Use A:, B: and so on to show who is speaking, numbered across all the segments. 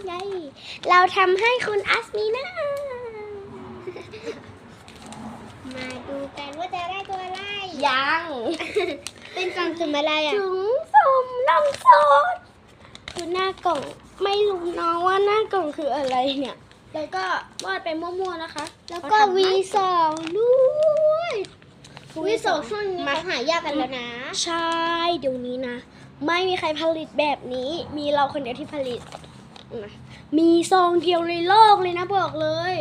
A: ไงเราทำให้คุณอัสมีนา
B: มาดูกันว่าจะได้ตัวอะไร
A: ยัง
B: เป็นกล่องสุ่มอะไรอ่ะ
A: ถุงสุ่มนมสดคือหน้ากล่องไม่รู้น้องว่าหน้ากล่องคืออะไรเนี่ยแล้วก็วาดไปมั่วๆนะคะ
B: แล้วก็ V2 ด้วยV2 ช่วงนี้เขาหายากกันแล้วนะ
A: ใช่เดี๋ยวนี้นะไม่มีใครผลิตแบบนี้มีเราคนเดียวที่ผลิตนะมีซองเดียวในโลกเลยนะบอกเลย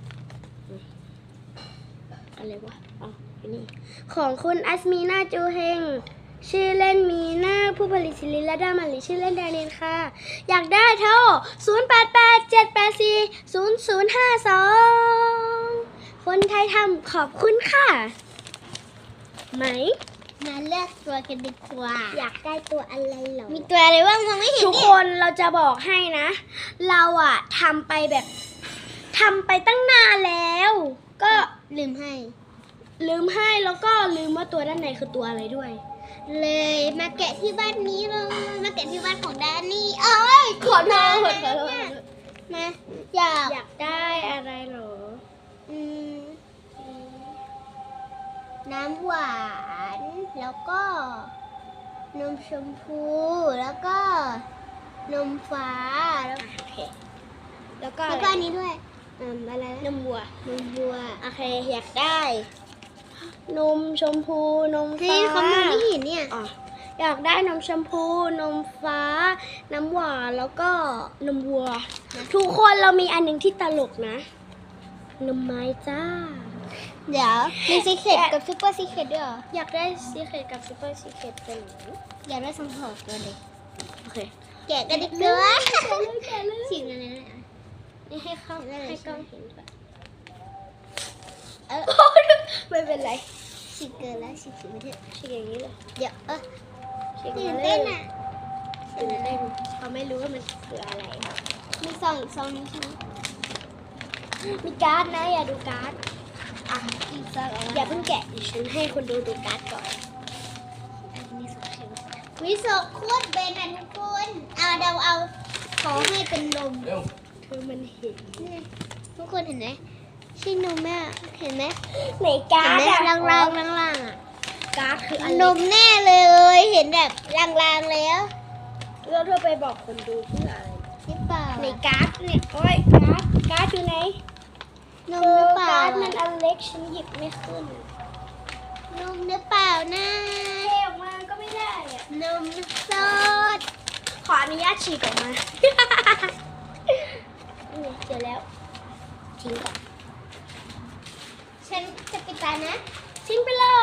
A: อะไรวะอ๋ออันนี้ของคุณอัสมีนาจูเฮงชื่อเล่นมีนาผู้ผลิตศิลินและดามาลีชื่อเล่นแดเนียลค่ะอยากได้โทร0887840052คนไทยทำขอบคุณค่ะไหม
B: มาเลือกตัวกันดีกว่า
A: อยากได้ตัวอะไรเหรอ
B: มีตัวอะไรบ้างมองไม่เห็น
A: ทุก
B: เนี่
A: ค
B: ย
A: นเราจะบอกให้นะ เราอะทำไปตั้งนานแล้ว ก็
B: ลืมให้
A: ลืมให้แล้วก็ลืมว่าตัวด้านในคือตัวอะไรด้วย
B: เลยมาแกะที่บ้านนี้เลยมาแกะที่บ้านของแดนนี่เอ้ย
A: ขอโทษ
B: มาอยาก
A: อยากได้อะไรเหรอ
B: อืมน้ำหวานแล้วก็นมชมพูแล้วก็นมฟ้าแล้ว
A: โอเคแล้วก็
B: แล้วก็อันนี้ด้วยอะไร
A: นมวัวน
B: มบัว
A: โอเคอยากได้ นมชมพูนม
B: เฮ้
A: ฟ้าย
B: เขามองไม่เห็นเนี่ย
A: อ๋ออยากได้นมชมพูนมฟ้า น้ำหวานแล้วก็นมวัว ทุกคนเรามีอันหนึ่งที่ตลกนะ นมไม้จ้า
B: เดี๋ยวมีซีเคทกับซูเปอร์ซีเคทด้วยเหรอ
A: อยากได้ซีเคทกับซูเปอร์ซีเคทเป็นหนู
B: อยากได้สังหรณ์ตัวเด็ก
A: โอเค
B: แกะกันดีกว่า
A: แกะเลย
B: ฉีกอันนั้นเลย
A: นี่ให้เข้า
B: ได้เลย
A: ให้กล้องเห็นก่อน
B: เออ
A: ไม่เป็นไร
B: ฉีกเกินแล้วฉีกไม่ได้
A: ฉีกอย่างนี้เลย
B: เดี๋ยว
A: ฉีก
B: ตื่
A: มาน เล
B: เต้
A: ย
B: นอ่ะ
A: ตื่นเต้นเขาไม่รู้ว่ามันคืออะไร
B: มีซองอีกซองนึงใช่ไหม
A: มีการ์ดนะอย่าดูการ์ดอ่ะ
B: อีกซองเอา
A: อย่าเพิ่งแกะดิฉันให้คนดูการ์ดก่อน
B: มีสองเข็มวิโซโคตรเบนอ่ะทุกคนเอาขอให้เป็นนม
A: เธอมันเห็น
B: นี่ทุกคนเห็นไหมใช่นมแม่เห็นไหม
A: ในการ์ด
B: เห็นไหม
A: อะ
B: ล่างๆอ่ะ
A: การ์ดคืออะไร
B: นมแน่เลย เห็นแบบลางๆแล้ว
A: แล้วเธอไปบอกคนดูเพื่ออะไร
B: หรือเปล่า
A: ในการ์ดเนี่ยโอ้ยการ์ดอยู่ไหน
B: นมหรือเปล่า
A: การ์ดมันอันเล็กฉันหยิบไม่ขึ้น
B: นมหรือเปล่านะ
A: เทออกมาก็ไม่ได้อะ
B: นมสด
A: ขออนุญาตฉีกออกมา นี่เจอแล้วทิ้งก่อน
B: ฉันจะปิดตานะ
A: ทิ้งไปเลย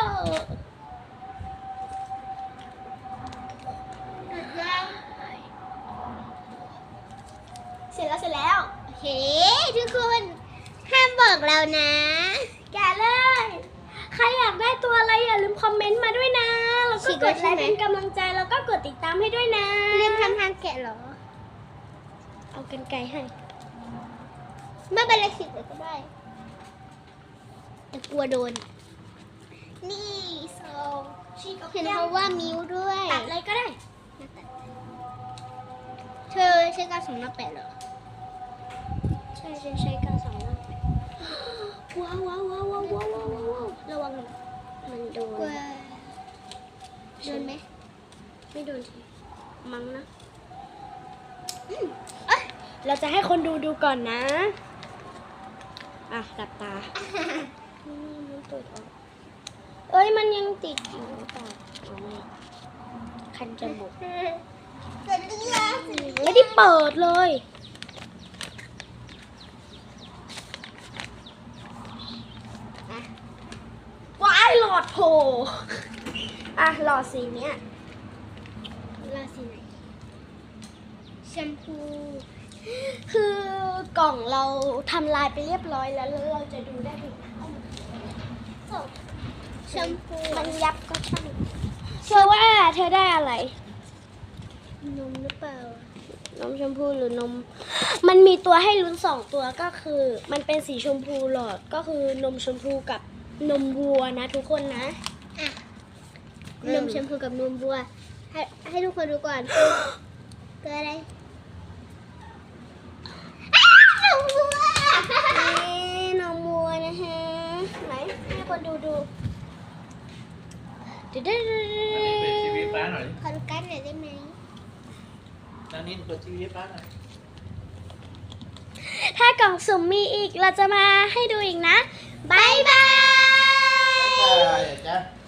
A: เสร็จแล้ว
B: โอเค ทุกคนห้ามบอกเรานะ
A: แกะเลย ใครอยากได้ตัวอะไรอย่าลืมคอมเมนต์มาด้วยนะ แล้วก็กดไลค์เป็นกำลังใจแล้วก็กดติดตามให้ด้วยนะ
B: เริ่มทำทางแกะเหรอ
A: เอากันไกลให้
B: ไม่เป็นไรสิเลยก็ได้แต่กลัวโดน นี่โซ
A: ฉีกออก
B: เห็น
A: ยัง
B: เขาว่ามิวด้วย
A: ตัดอะไรก็ได้
B: เธอใช้กาวสองหน้าแปะเหรอ
A: ใช่ฉันใช้กาวสองหน้าแปะว้าวระวังมันโดน
B: กลัวโดนไหม
A: ไม่โดนทีมั้งนะ
B: อืมเอ้ย
A: เราจะให้คนดูก่อนนะ อ่ะหลับตามันเปิดออกเอ้ยมันยังติดอยู่หรือเปล่าอ๋อไม่คันจมูก
B: เกิดเรื่อง
A: ไม่ได้เปิดเลยว้ายหลอดโผล่อ่ะหลอดสีเนี้ย
B: ราศีไหนแชมพู
A: คือกล่องเราทำลายไปเรียบร้อยแล้วแล้วเราจะดูได้ถึง
B: แชมพู
A: มันยับก็ช่างเชื่อว่าเธอได้อะไร
B: นมหรือเปล่า
A: นมชมพูหรือนม มันมีตัวให้ลุ้น2ตัวก็คือ มันเป็นสีชมพูหลอดก็คือนมชมพูกับนมวัวนะทุกคนนะ
B: อ่ะนมแชมพูกับนมบัว ให้ทุกคนดูก่อน เกิดอะไร
A: คนดูดูเดี๋ยว
C: เปิดทีวีป้าหน่อย
B: ขอดูกันหน่อยได้ไหม
C: ตอนนี้เปิดทีวีป้าหน่อย
A: ถ้ากล่องสุ่มมีอีกเราจะมาให้ดูอีกนะ บ๊ายบาย
C: บ๊ายบายจ้ะ